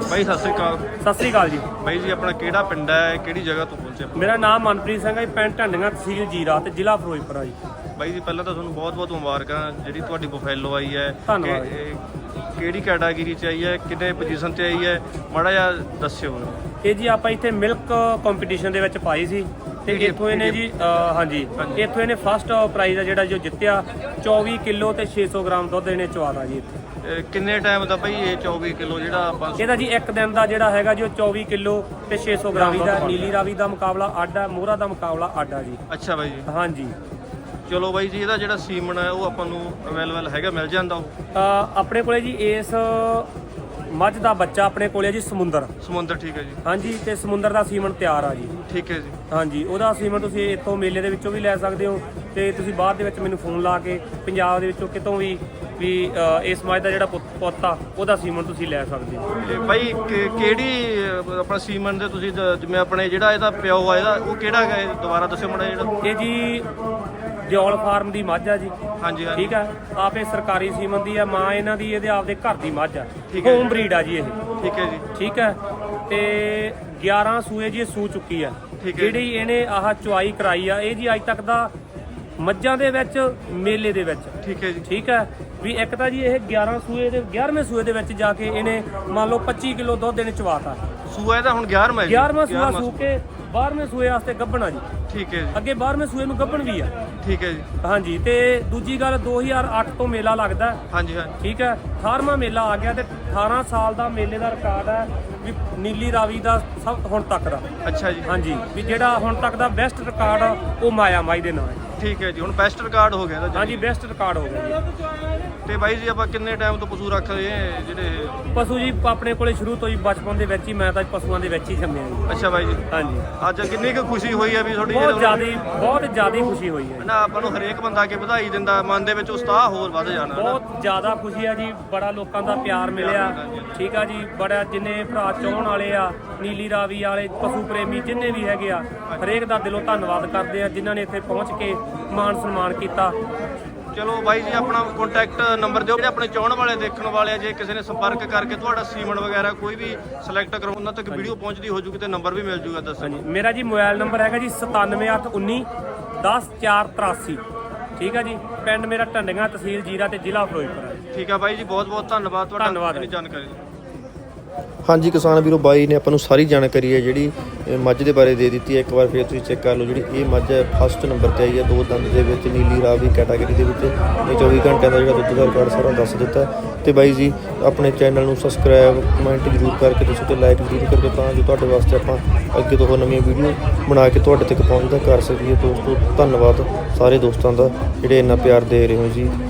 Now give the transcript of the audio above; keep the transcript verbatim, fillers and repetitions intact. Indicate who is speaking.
Speaker 1: ਬਾਈ ਸਤਿ ਸ੍ਰੀ ਅਕਾਲ।
Speaker 2: ਸਤਿ ਸ੍ਰੀ ਅਕਾਲ ਜੀ।
Speaker 1: ਬਾਈ ਜੀ ਆਪਣਾ ਕਿਹੜਾ ਪਿੰਡ ਹੈ, ਕਿਹੜੀ ਜਗ੍ਹਾ ਤੋਂ ਪਹੁੰਚੇ?
Speaker 2: ਮੇਰਾ ਨਾਮ ਮਨਪ੍ਰੀਤ ਸਿੰਘ ਹੈ ਜੀ, ਪਿੰਡ ਢੰਡੀਆਂ, ਤਹਿਸੀਲ ਜੀਰਾ ਤੇ ਜ਼ਿਲ੍ਹਾ ਫਿਰੋਜ਼ਪੁਰ ਆ ਜੀ।
Speaker 1: ਬਾਈ ਜੀ ਪਹਿਲਾਂ ਤਾਂ ਤੁਹਾਨੂੰ ਬਹੁਤ ਬਹੁਤ ਮੁਬਾਰਕਾਂ, ਜਿਹੜੀ ਤੁਹਾਡੀ ਬਫੈਲੋ ਆਈ ਹੈ।
Speaker 2: ਧੰਨਵਾਦ।
Speaker 1: ਕਿ- ਇਹ ਕਿਹੜੀ ਕੈਟਾਗਰੀ 'ਚ ਆਈ ਹੈ, ਕਿੰਨੇ ਪੋਜੀਸ਼ਨ 'ਤੇ ਆਈ ਹੈ, ਮਾੜਾ ਜਿਹਾ ਦੱਸਿਓ।
Speaker 2: ਇਹ ਜੀ ਆਪਾਂ ਇੱਥੇ ਮਿਲਕ ਕੰਪੀਟੀਸ਼ਨ ਦੇ ਵਿੱਚ ਪਾਈ ਸੀ ਤੇ ਇੱਥੋਂ ਇਹਨੇ ਜੀ ਅ, ਹਾਂਜੀ ਇੱਥੋਂ ਇਹਨੇ ਫਸਟ ਪ੍ਰਾਈਜ਼ ਆ ਜਿਹੜਾ ਜੋ ਜਿੱਤਿਆ ਚੌਵੀ ਕਿਲੋ ਤੇ ਛੇ ਸੌ ਗ੍ਰਾਮ ਦੁੱਧ ਇਹਨੇ ਚਵਾਤਾ ਜੀ ਇੱਥੇ।
Speaker 1: ਇਹ ਕਿੰਨੇ ਟਾਈਮ ਦਾ ਬਾਈ ਇਹ ਚੌਵੀ ਕਿਲੋ ਜਿਹੜਾ ਆਪਾਂ?
Speaker 2: ਇਹਦਾ ਜੀ ਇੱਕ ਦਿਨ ਦਾ ਜਿਹੜਾ ਹੈਗਾ ਜੀ ਉਹ ਚੌਵੀ ਕਿਲੋ ਤੇ ਛੇ ਸੌ ਗ੍ਰਾਮ ਦਾ। ਨੀਲੀ ਰਾਵੀ ਦਾ ਮੁਕਾਬਲਾ ਅੱਡ ਹੈ, ਮੋਹਰਾ ਦਾ ਮੁਕਾਬਲਾ ਅੱਡ ਆ ਜੀ।
Speaker 1: ਅੱਛਾ ਬਾਈ ਜੀ।
Speaker 2: ਹਾਂਜੀ
Speaker 1: ਚਲੋ ਬਾਈ ਜੀ, ਇਹਦਾ ਜਿਹੜਾ ਸੀਮਨ ਹੈ ਉਹ ਆਪਾਂ ਨੂੰ ਅਵੇਲੇਬਲ ਹੈਗਾ, ਮਿਲ ਜਾਂਦਾ ਉਹ?
Speaker 2: ਅ, ਆਪਣੇ ਕੋਲੇ ਜੀ ਇਸ ਮੱਝ ਦਾ ਬੱਚਾ ਆਪਣੇ ਕੋਲੇ ਜੀ ਸਮੁੰਦਰ
Speaker 1: ਸਮੁੰਦਰ। ਠੀਕ ਹੈ ਜੀ।
Speaker 2: ਹਾਂਜੀ ਤੇ ਸਮੁੰਦਰ ਦਾ ਸੀਮਨ ਤਿਆਰ ਆ ਜੀ।
Speaker 1: ਠੀਕ ਹੈ ਜੀ।
Speaker 2: ਹਾਂਜੀ ਉਹਦਾ ਸੀਮਨ ਤੁਸੀਂ ਇੱਥੋਂ ਮੇਲੇ ਦੇ ਵਿੱਚੋਂ ਵੀ ਲੈ ਸਕਦੇ ਹੋ ਤੇ ਤੁਸੀਂ ਬਾਅਦ ਦੇ ਵਿੱਚ ਮੈਨੂੰ ਫੋਨ ਲਾ ਕੇ ਪੰਜਾਬ ਦੇ ਵਿੱਚੋਂ ਕਿਤੋਂ ਵੀ ਵੀ ਅ, ਇਸ ਮੱਝ ਦਾ ਜਿਹੜਾ ਪੁੱਤ- ਪੁੱਤ ਆ ਉਹਦਾ ਸੀਮਨ ਤੁਸੀਂ ਲੈ ਸਕਦੇ ਹੋ।
Speaker 1: ਇਹ ਬਾਈ ਕਿ- ਕਿਹੜੀ ਅਹ, ਆਪਣਾ ਸੀਮਨ ਦੇ ਤੁਸੀਂ ਜ- ਜਿਵੇਂ ਆਪਣੇ ਜਿਹੜਾ ਇਹਦਾ ਪਿਓ ਆ ਇਹਦਾ ਉਹ ਕਿਹੜਾ ਹੈਗਾ ਇਹ? ਦੁਬਾਰਾ ਦੱਸਿਓ ਮਾੜਾ ਜਿਹੜਾ।
Speaker 2: ਇਹ ਜੀ ਦਿਓਲ ਫਾਰਮ ਦੀ ਮੱਝ ਆ ਜੀ।
Speaker 1: ਹਾਂਜੀ ਹਾਂਜੀ।
Speaker 2: ਠੀਕ ਹੈ, ਆਪੇ ਸਰਕਾਰੀ ਸੀਮਨ ਦੀ ਆ, ਮਾਂ ਇਹਨਾਂ ਦੀ ਇਹਦੇ ਆਪਦੇ ਘਰ ਦੀ ਮੱਝ ਆ।
Speaker 1: ਠੀਕ ਹੈ ਜੀ।
Speaker 2: ਹੋਮ ਬਰੀਡ ਆ ਜੀ ਇਹ।
Speaker 1: ਠੀਕ ਹੈ ਜੀ।
Speaker 2: ਠੀਕ ਹੈ ਤੇ ਗਿਆਰਾਂ ਸੂਏ ਜੀ ਇਹ ਸੂ ਚੁੱਕੀ ਆ।
Speaker 1: ਠੀਕ ਹੈ।
Speaker 2: ਜਿਹੜੀ ਇਹਨੇ ਆਹ ਚੁਆਈ ਕਰਾਈ ਆ ਇਹ ਜੀ ਅੱਜ ਤੱਕ ਦਾ ਮੱਝਾਂ ਦੇ ਵਿੱਚ ਮੇਲੇ ਦੇ ਵਿੱਚ।
Speaker 1: ਠੀਕ ਹੈ ਜੀ।
Speaker 2: ਠੀਕ ਹੈ ਵੀ ਇੱਕ ਤਾਂ ਜੀ ਇਹ ਗਿਆਰਾਂ ਸੂਏ ਦੇ ਗਿਆਰਵੇਂ ਸੂਏ ਦੇ ਵਿੱਚ ਜਾ ਕੇ ਇਹਨੇ ਮੰਨ ਲਓ ਪੱਚੀ ਕਿਲੋ ਦੁੱਧ ਇਹਨੇ ਚਵਾਤਾ।
Speaker 1: ਸੂਆ ਇਹਦਾ ਹੁਣ ਗਿਆਰਵਾਂ ਹੈ ਜੀ?
Speaker 2: ਗਿਆਰਵਾਂ ਸੂਆ
Speaker 1: ਗਿਆਰਵਾਂ
Speaker 2: ਸੂ ਕੇ ਬਾਰਵੇਂ ਸੂਏ ਵਾਸਤੇ ਗੱਭਣਾ ਜੀ।
Speaker 1: ਠੀਕ ਹੈ ਜੀ।
Speaker 2: ਅੱਗੇ ਬਾਰਵੇਂ ਸੂਏ ਨੂੰ ਗੱਭਣ ਵੀ ਆ।
Speaker 1: ਠੀਕ ਹੈ ਜੀ।
Speaker 2: ਹਾਂਜੀ ਤੇ ਦੂਜੀ ਗੱਲ ਦੋ ਹਜ਼ਾਰ ਅੱਠ ਤੋਂ ਮੇਲਾ ਲੱਗਦਾ।
Speaker 1: ਹਾਂਜੀ ਹਾਂਜੀ।
Speaker 2: ਠੀਕ ਹੈ, ਅਠਾਰਵਾਂ ਮੇਲਾ ਆ ਗਿਆ ਤੇ ਅਠਾਰਾਂ ਸਾਲ ਦਾ ਮੇਲੇ ਦਾ ਰਿਕਾਰਡ ਹੈ ਵੀ ਨੀਲੀ ਰਾਵੀ ਦਾ ਸਭ ਹੁਣ ਤੱਕ ਦਾ।
Speaker 1: ਅੱਛਾ ਜੀ।
Speaker 2: ਹਾਂਜੀ ਵੀ ਜਿਹੜਾ ਹੁਣ ਤੱਕ ਦਾ ਬੈਸਟ ਰਿਕਾਰਡ ਆ ਉਹ ਮਾਇਆ ਮਾਈ ਦੇ ਨਾਂ ਹੈ।
Speaker 1: ਠੀਕ ਹੈ ਜੀ, ਹੁਣ ਬੈਸਟ ਰਿਕਾਰਡ ਹੋ ਗਿਆ ਇਹਦਾ।
Speaker 2: ਹਾਂਜੀ ਬੈਸਟ ਰਿਕਾਰਡ ਹੋ ਗਿਆ ਜੀ।
Speaker 1: ਤੇ ਬਾਈ ਜੀ ਆਪਾਂ ਕਿੰਨੇ ਟਾਈਮ ਤੋਂ ਪਸ਼ੂ ਰੱਖ ਰਹੇ ਹਾਂ ਜਿਹੜੇ?
Speaker 2: ਪਸ਼ੂ ਜੀ ਆਪਣੇ ਕੋਲੇ ਸ਼ੁਰੂ ਤੋਂ ਹੀ ਬਚਪਨ ਦੇ ਵਿੱਚ ਹੀ, ਮੈਂ ਤਾਂ ਪਸ਼ੂਆਂ ਦੇ ਵਿੱਚ ਹੀ ਜੰਮਿਆ ਜੀ।
Speaker 1: ਅੱਛਾ ਬਾਈ ਜੀ।
Speaker 2: ਹਾਂਜੀ
Speaker 1: ਅੱਜ ਕਿੰਨੀ ਕੁ ਖੁਸ਼ੀ ਹੋਈ ਹੈ ਵੀ ਤੁਹਾਡੀ
Speaker 2: ਬਹੁਤ ਜ਼ਿਆਦਾ ਬਹੁਤ ਜ਼ਿਆਦਾ ਖੁਸ਼ੀ ਹੋਈ ਹੈ।
Speaker 1: ਨਾ ਆਪਾਂ ਨੂੰ ਹਰੇਕ ਬੰਦਾ ਕੇ ਵਧਾਈ ਦਿੰਦਾ, ਮਨ ਦੇ ਵਿੱਚ ਉਤਸ਼ਾਹ ਹੋਰ ਵੱਧ ਜਾਣਾ ਨਾ।
Speaker 2: ਬਹੁਤ ਜ਼ਿਆਦਾ ਖੁਸ਼ੀ ਆ ਜੀ, ਬੜਾ ਲੋਕਾਂ ਦਾ ਪਿਆਰ ਮਿਲਿਆ। ਠੀਕ ਆ ਜੀ, ਬੜਾ ਜਿੰਨੇ ਭਰਾ ਚਾਹਣ ਵਾਲੇ ਆ, ਨੀਲੀ ਰਾਵੀ ਵਾਲੇ, ਪਸ਼ੂ ਪ੍ਰੇਮੀ ਜਿੰਨੇ ਵੀ ਹੈਗੇ ਆ, ਹਰੇਕ ਦਾ ਦਿਲੋਂ ਧੰਨਵਾਦ ਕਰਦੇ ਆ ਜਿਨ੍ਹਾਂ ਨੇ ਇੱਥੇ ਪਹੁੰਚ ਕੇ ਮਾਣ ਸਨਮਾਨ ਕੀਤਾ।
Speaker 1: ਚਲੋ ਬਾਈ ਜੀ ਆਪਣਾ ਕੰਟੈਕਟ ਨੰਬਰ ਦਿਓ, ਜਿਹੜੇ ਆਪਣੇ ਚਾਹਣ ਵਾਲੇ ਦੇਖਣ ਵਾਲੇ ਆ, ਜੇ ਕਿਸੇ ਨੇ ਸੰਪਰਕ ਕਰਕੇ ਤੁਹਾਡਾ ਸੀਮਨ ਵਗੈਰਾ ਕੋਈ ਵੀ ਸਿਲੈਕਟ ਕਰੋ, ਉਹਨਾਂ ਤੱਕ ਵੀਡੀਓ ਪਹੁੰਚਦੀ ਹੋ ਜੂਗੀ ਤੇ ਨੰਬਰ ਵੀ ਮਿਲ ਜੂਗਾ। ਦੱਸੋ
Speaker 2: ਹਾਂਜੀ ਮੇਰਾ ਜੀ ਮੋਬਾਈਲ ਨੰਬਰ ਹੈਗਾ ਜੀ ਸਤਾਨਵੇਂ ਅੱਠ ਉੱਨੀ ਦਸ ਚਾਰ ਤਰਾਸੀ। ਠੀਕ ਆ ਜੀ, ਪਿੰਡ ਮੇਰਾ ਢੰਡੀਆਂ, ਤਹਿਸੀਲ ਜੀਰਾ ਤੇ ਜ਼ਿਲ੍ਹਾ ਫਿਰੋਜ਼ਪੁਰ ਹੈ।
Speaker 1: ਠੀਕ ਆ ਬਾਈ ਜੀ, ਬਹੁਤ ਬਹੁਤ ਧੰਨਵਾਦ ਤੁਹਾਡਾ
Speaker 2: ਧੰਨਵਾਦ।
Speaker 1: ਇੰਨੀ ਜਾਣਕਾਰੀ।
Speaker 3: ਹਾਂਜੀ ਕਿਸਾਨ ਵੀਰੋ, ਬਾਈ ਨੇ ਆਪਾਂ ਨੂੰ ਸਾਰੀ ਜਾਣਕਾਰੀ ਹੈ ਜਿਹੜੀ ਇਹ ਮੱਝ ਦੇ ਬਾਰੇ ਦੇ ਦਿੱਤੀ ਹੈ। ਇੱਕ ਵਾਰ ਫਿਰ ਤੁਸੀਂ ਚੈੱਕ ਕਰ ਲਓ, ਜਿਹੜੀ ਇਹ ਮੱਝ ਹੈ ਫਸਟ ਨੰਬਰ ਤੇ ਆਈ ਹੈ, ਦੋ ਦੰਦ ਦੇ ਵਿੱਚ, ਨੀਲੀ ਰਾਵੀ ਕੈਟਾਗਰੀ ਦੇ ਵਿੱਚ। ਇਹ ਚੌਵੀ ਘੰਟਿਆਂ ਦਾ ਜਿਹੜਾ ਦੁੱਧ ਦਾ ਰਿਕਾਰਡ ਸਾਰਾ ਦੱਸ ਦਿੱਤਾ। ਤੇ ਬਾਈ ਜੀ ਆਪਣੇ ਚੈਨਲ ਨੂੰ ਸਬਸਕ੍ਰਾਈਬ, ਕਮੈਂਟ ਜ਼ਰੂਰ ਕਰਕੇ ਤੁਸੀਂ ਤੇ ਲਾਈਕ ਜ਼ਰੂਰ ਕਰਕੇ, ਤਾਂ ਜੋ ਤੁਹਾਡੇ ਵਾਸਤੇ ਆਪਾਂ ਅੱਗੇ ਤੋਂ ਹੋਰ ਨਵੀਆਂ ਵੀਡੀਓ ਬਣਾ ਕੇ ਤੁਹਾਡੇ ਤੱਕ ਪਹੁੰਚਦਾ ਕਰ ਸਕੀਏ। ਦੋਸਤੋ ਧੰਨਵਾਦ ਸਾਰੇ ਦੋਸਤਾਂ ਦਾ ਜਿਹੜੇ ਇੰਨਾ ਪਿਆਰ ਦੇ ਰਹੇ ਹੋ ਜੀ।